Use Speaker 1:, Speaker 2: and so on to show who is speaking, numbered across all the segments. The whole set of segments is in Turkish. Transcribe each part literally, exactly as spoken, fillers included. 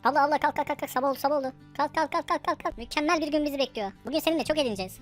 Speaker 1: Abla abla kalk kalk kalk kalk, sabah oldu sabah oldu. Kalk kalk kalk kalk kalk kalk. Mükemmel bir gün bizi bekliyor. Bugün seninle çok eğleneceğiz.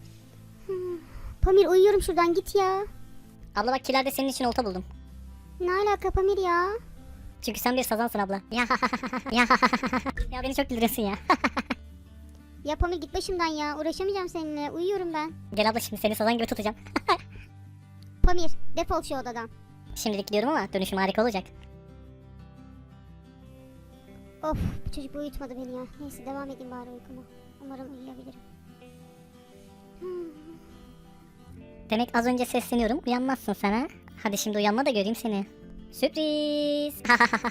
Speaker 2: Pamir uyuyorum, şuradan git ya.
Speaker 1: Abla bak kilerde senin için olta buldum.
Speaker 2: Ne alaka Pamir ya?
Speaker 1: Çünkü sen bir sazansın abla. Ya ya ya beni çok güldürüyorsun ya.
Speaker 2: Ya Pamir git başımdan ya, uğraşamayacağım seninle, uyuyorum ben.
Speaker 1: Gel abla şimdi seni sazan gibi tutacağım.
Speaker 2: Pamir defol şu odadan.
Speaker 1: Şimdilik gidiyorum ama dönüşüm harika olacak.
Speaker 2: Of, bu çocuk uyutmadı beni ya. Neyse devam edeyim bari uykuma. Umarım uyuyabilirim.
Speaker 1: Demek az önce sesleniyorum uyanmazsın sen ha. Hadi şimdi uyanma da göreyim seni. Sürpriz.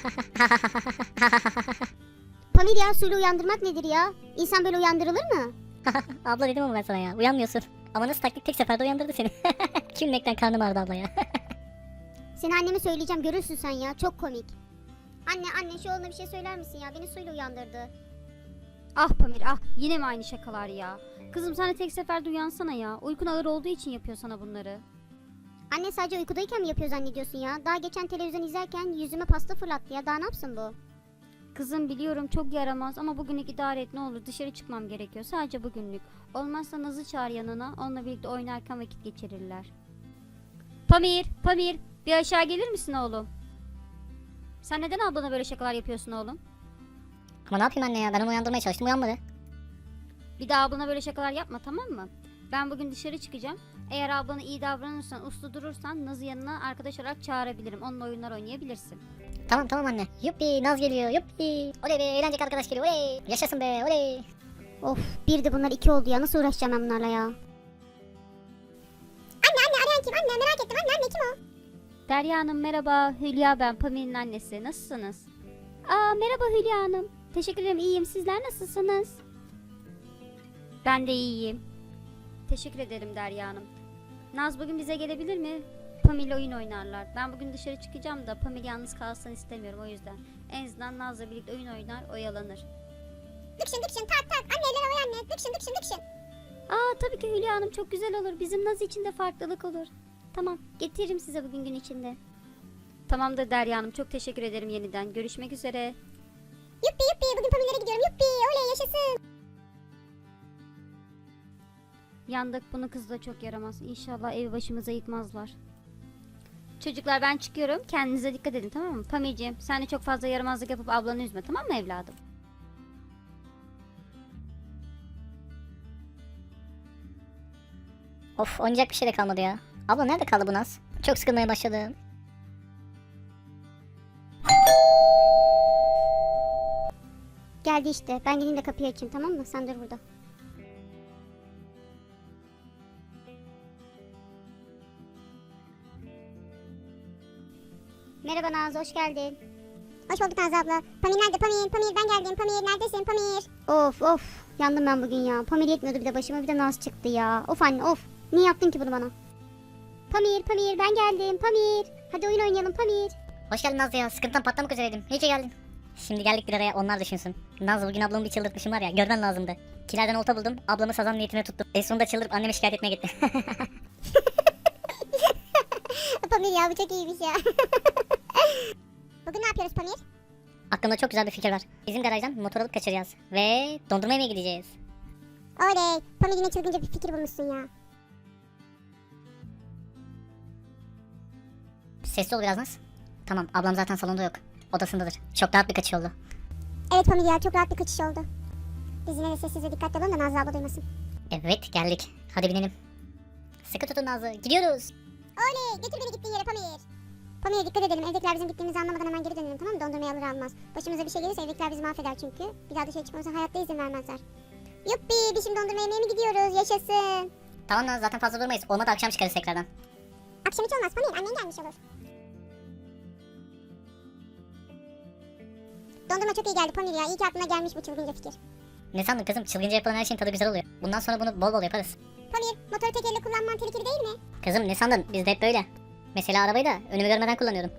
Speaker 2: Pamir ya, suyla uyandırmak nedir ya? İnsan böyle uyandırılır mı?
Speaker 1: Abla dedim ama ben sana ya uyanmıyorsun. Ama nasıl taktik tek seferde uyandırdı seni. Gülmekten karnım ağrıdı abla ya.
Speaker 2: Seni anneme söyleyeceğim, görürsün sen ya, çok komik. Anne anne şu oğluna bir şey söyler misin ya, beni suyla uyandırdı.
Speaker 3: Ah Pamir ah, yine mi aynı şakalar ya? Kızım sen de tek seferde uyansana ya. Uykun ağır olduğu için yapıyor sana bunları.
Speaker 2: Anne sadece uykudayken mi yapıyor zannediyorsun ya? Daha geçen televizyon izlerken yüzüme pasta fırlattı ya, daha ne yapsın bu?
Speaker 3: Kızım biliyorum çok yaramaz ama bugünlük idare et ne olur, dışarı çıkmam gerekiyor sadece bugünlük. Olmazsa Naz'ı çağır yanına, onunla birlikte oynarken vakit geçirirler. Pamir, Pamir bir aşağı gelir misin oğlum? Sen neden ablana böyle şakalar yapıyorsun oğlum?
Speaker 1: Ama ne yapayım anne ya, ben onu uyandırmaya çalıştım uyanmadı.
Speaker 3: Bir daha ablana böyle şakalar yapma, tamam mı? Ben bugün dışarı çıkacağım. Eğer ablana iyi davranırsan, uslu durursan Naz'ı yanına arkadaş olarak çağırabilirim. Onunla oyunlar oynayabilirsin.
Speaker 1: Tamam tamam anne. Yuppi Naz geliyor yuppi. Oley be eğlenceli arkadaş geliyor oley. Yaşasın be oley.
Speaker 2: Of, bir de bunlar iki oldu ya, nasıl uğraşacağım ben bunlarla ya? Anne anne, arayan kim? Anne merak ettim, anne anne kim o?
Speaker 3: Derya Hanım merhaba. Hülya ben, Pamir'in annesi. Nasılsınız? Aa merhaba Hülya Hanım. Teşekkür ederim, iyiyim. Sizler nasılsınız? Ben de iyiyim. Teşekkür ederim Derya Hanım. Naz bugün bize gelebilir mi? Pamir'le oyun oynarlar. Ben bugün dışarı çıkacağım da Pamir yalnız kalsın istemiyorum o yüzden. En azından Naz'la birlikte oyun oynar, oyalanır.
Speaker 2: Dıkşın dıkşın tak tak, anne eller havaya anne, dıkşın dıkşın dıkşın.
Speaker 3: Aa tabii ki Hülya Hanım, çok güzel olur. Bizim Naz için de farklılık olur. Tamam, getiririm size bugün gün içinde. Tamamdır Derya Hanım, çok teşekkür ederim yeniden. Görüşmek üzere.
Speaker 2: Yuppi yuppi, bugün Pamir'lere gidiyorum, yuppi oley yaşasın.
Speaker 3: Yandık, bunu kız da çok yaramaz. İnşallah evi başımıza yıkmazlar. Çocuklar ben çıkıyorum. Kendinize dikkat edin, tamam mı? Pamir'ciğim sen de çok fazla yaramazlık yapıp ablanı üzme, tamam mı evladım?
Speaker 1: Of oynayacak bir şey de kalmadı ya. Abla nerede kaldı bu Naz? Çok sıkılmaya başladım.
Speaker 2: Geldi işte, ben gideyim de kapıyı açayım, tamam mı? Sen dur burada. Merhaba Naz, hoş geldin. Hoş bulduk Naz abla. Pamir nerede? Pamir, Pamir ben geldim. Pamir neredesin? Pamir. Of of, yandım ben bugün ya. Pamir yetmiyordu bir de başıma, bir de Naz çıktı ya. Of anne of. Niye yaptın ki bunu bana? Pamir, Pamir ben geldim. Pamir. Hadi oyun oynayalım Pamir.
Speaker 1: Hoş geldin Naz ya, sıkıntıdan patlamak üzereydim. İyi ki geldin. Şimdi geldik bir araya, onlar düşünsün. Naz bugün ablamı bir çıldırtmışım var ya, görmen lazımdı. Kilerden olta buldum, ablamı sazan niyetine tuttum. En sonunda çıldırıp anneme şikayet etmeye gitti.
Speaker 2: Pamir ya, bu çok iyiymiş ya. Bugün ne yapıyoruz Pamir?
Speaker 1: Aklımda çok güzel bir fikir var. Bizim garajdan motor alıp kaçıracağız. Ve dondurma yemeye gideceğiz.
Speaker 2: Oley. Pamir yine çılgınca bir fikir bulmuşsun ya.
Speaker 1: Sesli ol biraz Naz. Tamam, ablam zaten salonda yok. Odasındadır. Çok rahat bir kaçış oldu.
Speaker 2: Evet Pamir ya, çok rahat bir kaçış oldu. Biz yine de sessiz ve dikkatli olalım da Nazlı abla duymasın.
Speaker 1: Evet, geldik. Hadi binelim. Sıkı tutun Nazlı, gidiyoruz.
Speaker 2: Oley, götür beni gittiğin yere Pamir. Pamir'e dikkat edelim, evdekiler bizim gittiğimizi anlamadan hemen geri dönelim, tamam mı? Dondurmayı alır almaz. Başımıza bir şey gelirse evdekiler bizi mahveder çünkü. Bir daha dışarı çıkmamıza hayatta izin vermezler. Yuppi, biz şimdi dondurma yemeye mi gidiyoruz? Yaşasın.
Speaker 1: Tamam Naz, zaten fazla durmayız. Olmadı akşam çıkarız tekrardan.
Speaker 2: Akşam hiç olmaz Pamir, annen gelmiş olur. Dondurma çok iyi geldi Pamir ya, iyi ki aklına gelmiş bu çılgınca fikir.
Speaker 1: Ne sandın kızım? Çılgınca yapılan her şeyin tadı güzel oluyor. Bundan sonra bunu bol bol yaparız.
Speaker 2: Pamir, motoru tek elle kullanman tehlikeli değil mi?
Speaker 1: Kızım ne sandın? Biz de hep böyle. Mesela arabayı da önümü görmeden kullanıyorum.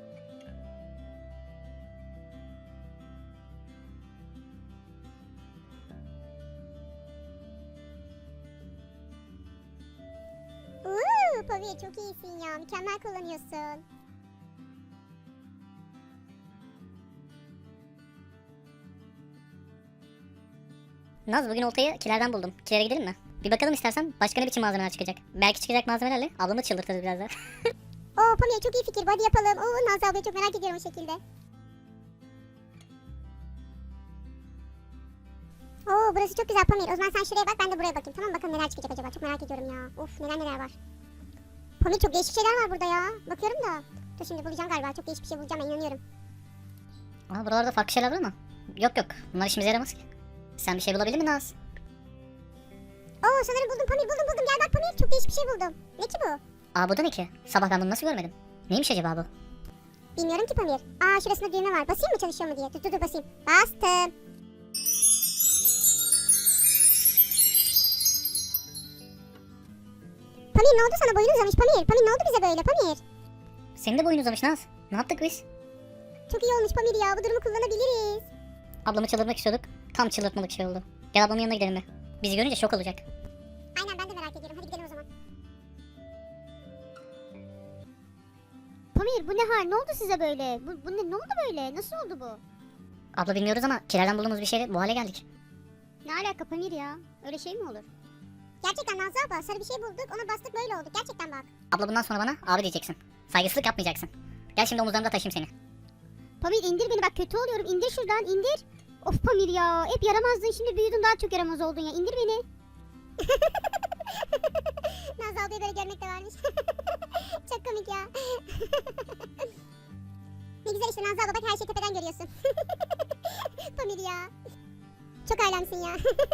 Speaker 2: Uuu, Pamir çok iyisin ya, mükemmel kullanıyorsun.
Speaker 1: Naz bugün oltayı kilerden buldum. Kilere gidelim mi? Bir bakalım istersen başka ne biçim malzemeler çıkacak. Belki çıkacak malzemelerle ablamı çıldırtırız biraz da.
Speaker 2: Oo Pamir çok iyi fikir. Hadi yapalım. Oo Nazlı ablayı çok merak ediyorum o şekilde. Oo burası çok güzel Pamir. O zaman sen şuraya bak, ben de buraya bakayım. Tamam, bakalım neler çıkacak acaba. Çok merak ediyorum ya. Of, neler neler var. Pamir çok değişik şeyler var burada ya. Bakıyorum da. Dur şimdi bulacağım galiba. Çok değişik bir şey bulacağım, ben inanıyorum.
Speaker 1: Aa, buralarda farklı şeyler var ama. Yok yok. Bunlar işimize yaramaz ki. Sen bir şey bulabildin mi Naz?
Speaker 2: Oo sanırım buldum Pamir, buldum buldum. Gel bak Pamir, çok değişik bir şey buldum. Ne ki bu?
Speaker 1: Aa, bu da ne ki? Sabah ben bunu nasıl görmedim? Neymiş acaba bu?
Speaker 2: Bilmiyorum ki Pamir. Aa şurasında düğme var. Basayım mı, çalışıyor mu diye. Dur dur dur basayım. Bastım. Pamir ne oldu sana, boyun uzamış Pamir. Pamir ne oldu bize böyle Pamir?
Speaker 1: Senin de boyun uzamış Naz. Ne yaptık biz?
Speaker 2: Çok iyi olmuş Pamir ya, bu durumu kullanabiliriz.
Speaker 1: Ablamı çıldırtmak istiyorduk. Tam çıldırtmalık şey oldu. Gel ablamın yanına gidelim mi? Bizi görünce şok olacak.
Speaker 2: Aynen, ben de merak ediyorum. Hadi gidelim o zaman.
Speaker 3: Pamir bu ne hal? Ne oldu size böyle? Bu, bu ne, ne oldu böyle? Nasıl oldu bu?
Speaker 1: Abla bilmiyoruz ama kilerden bulduğumuz bir şeyle bu hale geldik.
Speaker 3: Ne alaka Pamir ya? Öyle şey mi olur?
Speaker 2: Gerçekten Nazlı abla, sarı bir şey bulduk, ona bastık, böyle olduk. Gerçekten bak.
Speaker 1: Abla bundan sonra bana abi diyeceksin. Saygısızlık yapmayacaksın. Gel şimdi omuzlarımda taşıyayım seni.
Speaker 3: Pamir indir beni, bak kötü oluyorum. İndir şuradan, indir. Of Pamir ya, hep yaramazdın, şimdi büyüdün, daha çok yaramaz oldun ya. İndir beni.
Speaker 2: Nazlı ablayı böyle görmek de varmış. Çok komik ya. Ne güzel işte Nazlı abla, bak her şeyi tepeden görüyorsun. Pamir ya. Çok alemsin ya.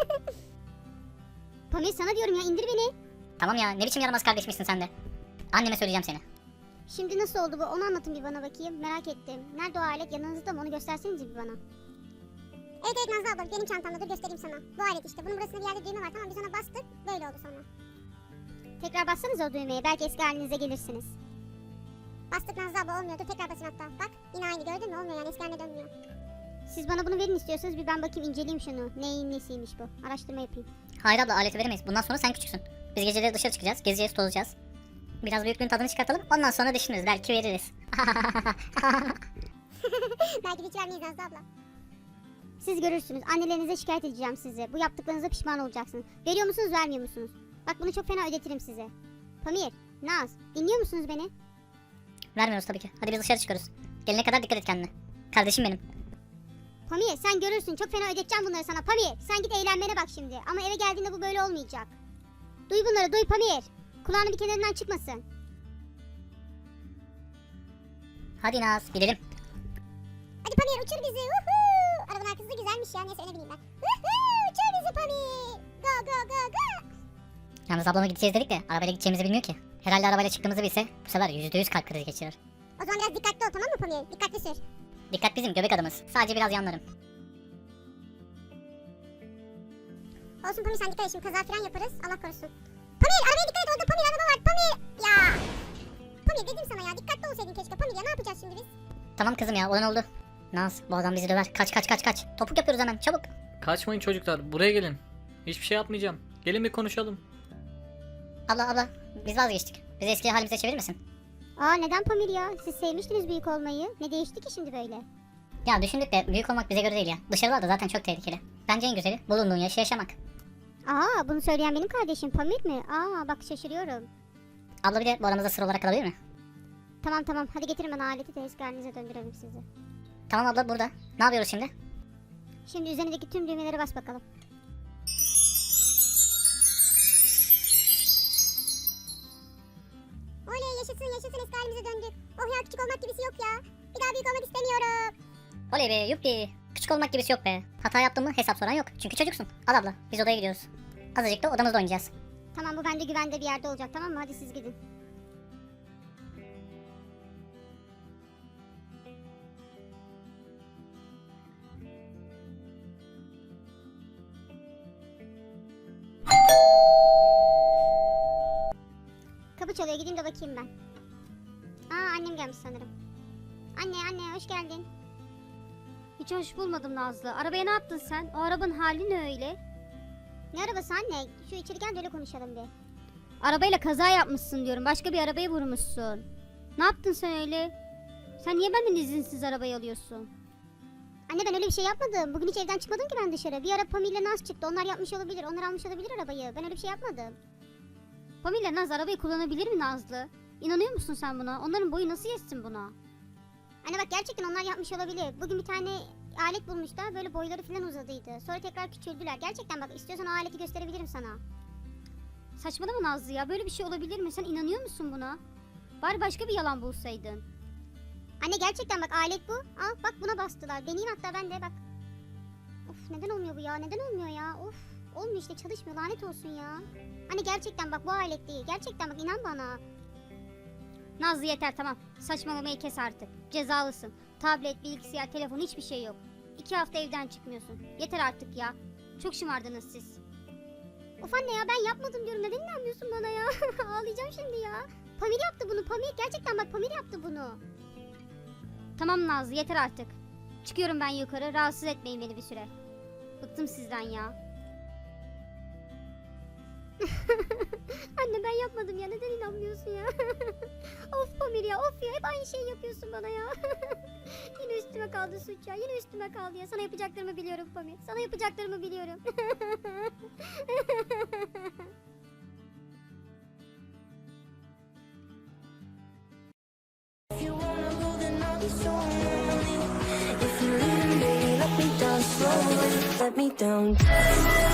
Speaker 3: Pamir sana diyorum ya, indir beni.
Speaker 1: Tamam ya, ne biçim yaramaz kardeşmişsin sen de. Anneme söyleyeceğim seni.
Speaker 3: Şimdi nasıl oldu bu? Onu anlatın bir bana bakayım. Merak ettim. Nerede o alet? Yanınızda mı? Onu göstersenize bir bana.
Speaker 2: Evet evet Nazlı abla, benim çantamda, dur göstereyim sana. Bu alet işte, bunun burasında bir yerde düğme var, tamam, biz ona bastık, böyle oldu sonra.
Speaker 3: Tekrar bassanız o düğmeye. Belki eski halinize gelirsiniz.
Speaker 2: Bastık Nazlı abla, olmuyor, dur tekrar basın hatta. Bak yine aynı, gördün mü, olmuyor yani, eski haline dönmüyor.
Speaker 3: Siz bana bunu verin istiyorsanız, bir ben bakayım, inceleyeyim şunu. Neyin nesiymiş bu? Araştırma yapayım.
Speaker 1: Hayır abla, aleti veremeyiz. Bundan sonra sen küçüksün. Biz geceleri dışarı çıkacağız, gezeceğiz, tozacağız. Biraz büyüklüğün tadını çıkartalım. Ondan sonra düşünürüz. Belki veririz.
Speaker 2: Belki de hiç vermeyiz Nazlı abla.
Speaker 3: Siz görürsünüz. Annelerinize şikayet edeceğim sizi. Bu yaptıklarınıza pişman olacaksınız. Veriyor musunuz, vermiyor musunuz? Bak bunu çok fena ödetirim size. Pamir, Naz, dinliyor musunuz beni?
Speaker 1: Vermiyoruz tabii ki. Hadi biz dışarı çıkıyoruz. Gelene kadar dikkat et kendine. Kardeşim benim.
Speaker 3: Pamir sen görürsün, çok fena ödeteceğim bunları sana. Pamir sen git eğlenmene bak şimdi. Ama eve geldiğinde bu böyle olmayacak. Duy bunları, duy Pamir. Kulağını bir kenarından çıkmasın.
Speaker 1: Hadi Naz, gidelim.
Speaker 2: Hadi Pamir uçur bizi. Uhu. Arabanın arkası da güzelmiş ya, neyse öne bineyim ben. Uhu, uçur bizi Pamir. Go go go go.
Speaker 1: Yalnız ablama gideceğiz dedik de arabayla gideceğimizi bilmiyor ki. Herhalde arabayla çıktığımızı bilse bu sefer yüzde yüz kalp krizi geçirir.
Speaker 2: O zaman biraz dikkatli ol, tamam mı Pamir? Dikkatli sür.
Speaker 1: Dikkat bizim göbek adımız. Sadece biraz yanlarım.
Speaker 2: Olsun Pamir, sen dikkat et, şimdi kaza falan yaparız, Allah korusun. Pamir arabaya dikkat et, orada Pamir araba var, Pamir. Ya. Pamir dedim sana ya, dikkatli olsaydın keşke Pamir ya, ne yapacağız şimdi biz?
Speaker 1: Tamam kızım ya, olan oldu. Naz, bu adam bizi döver. Kaç kaç kaç kaç. Topuk yapıyoruz hemen, çabuk.
Speaker 4: Kaçmayın çocuklar, buraya gelin. Hiçbir şey yapmayacağım. Gelin bir konuşalım.
Speaker 1: Abla abla, biz vazgeçtik. Bizi eski halimize çevirir misin?
Speaker 3: Aa neden Pamir ya? Siz sevmiştiniz büyük olmayı. Ne değişti ki şimdi böyle?
Speaker 1: Ya düşündük de büyük olmak bize göre değil ya. Dışarılarda zaten çok tehlikeli. Bence en güzeli bulunduğun yaşı yaşamak.
Speaker 3: Aa bunu söyleyen benim kardeşim Pamir mi? Aa bak şaşırıyorum.
Speaker 1: Abla bir de bu aramızda sır olarak kalabilir mi?
Speaker 3: Tamam tamam, hadi getirin bana aleti de eski halinize döndürelim sizi.
Speaker 1: Tamam abla, burada. Ne yapıyoruz şimdi?
Speaker 3: Şimdi üzerindeki tüm düğmelere bas bakalım.
Speaker 2: Oley, yaşasın yaşasın, eski halimize döndük. Oh ya, küçük olmak gibisi yok ya. Bir daha büyük olmak istemiyorum.
Speaker 1: Oley be, yuppi. Küçük olmak gibisi yok be. Hata yaptın mı hesap soran yok. Çünkü çocuksun. Al abla, biz odaya gidiyoruz. Azıcık da odamızda oynayacağız.
Speaker 3: Tamam bu bende güvende bir yerde olacak, tamam mı? Hadi siz gidin. Kapı çalıyor, gideyim de bakayım ben. Aa annem gelmiş sanırım. Anne anne hoş geldin.
Speaker 5: Hiç hoş bulmadım Nazlı. Arabaya ne yaptın sen? O arabanın hali ne öyle?
Speaker 3: Ne arabası anne? Şu içeri gel de öyle konuşalım bir.
Speaker 5: Arabayla kaza yapmışsın diyorum. Başka bir arabaya vurmuşsun. Ne yaptın sen öyle? Sen niye benden izinsiz arabayı alıyorsun?
Speaker 2: Anne ben öyle bir şey yapmadım. Bugün hiç evden çıkmadım ki ben dışarı. Bir ara Pamir ile Naz çıktı. Onlar yapmış olabilir. Onlar almış olabilir arabayı. Ben öyle bir şey yapmadım.
Speaker 5: Pamir ile Naz arabayı kullanabilir mi Nazlı? İnanıyor musun sen buna? Onların boyu nasıl yetsin buna?
Speaker 2: Anne bak gerçekten onlar yapmış olabilir. Bugün bir tane alet bulmuşlar. Böyle boyları falan uzadıydı. Sonra tekrar küçüldüler. Gerçekten bak istiyorsan o aleti gösterebilirim sana.
Speaker 5: Saçmalama Nazlı ya. Böyle bir şey olabilir mi? Sen inanıyor musun buna? Bari başka bir yalan bulsaydın.
Speaker 2: Anne gerçekten bak alet bu. Al bak buna bastılar. Deneyeyim hatta ben de bak. Of neden olmuyor bu ya? Neden olmuyor ya? Of olmuyor işte çalışmıyor. Lanet olsun ya. Anne gerçekten bak bu alet değil. Gerçekten bak inan bana.
Speaker 5: Nazlı yeter tamam. Saçmalamayı kes artık. Cezalısın. Tablet, bilgisayar, telefon hiçbir şey yok. İki hafta evden çıkmıyorsun. Yeter artık ya. Çok şımardınız siz.
Speaker 2: Of anne ya ben yapmadım diyorum. Neden inanmıyorsun bana ya? Ağlayacağım şimdi ya. Pamir yaptı bunu. Pamir gerçekten bak Pamir yaptı bunu.
Speaker 5: Tamam Nazlı yeter artık. Çıkıyorum ben yukarı. Rahatsız etmeyin beni bir süre. Bıktım sizden ya.
Speaker 2: Anne ben yapmadım ya. Neden inanmıyorsun ya? Of Pamir ya of ya. Hep aynı şeyi yapıyorsun bana ya. Yine üstüme kaldı suç ya. Yine üstüme kaldı ya. Sana yapacaklarımı biliyorum Pamir. Sana yapacaklarımı biliyorum.
Speaker 6: If you wanna go, then I'll be so lonely. If you're leaving, baby, let me down slowly. Let me down.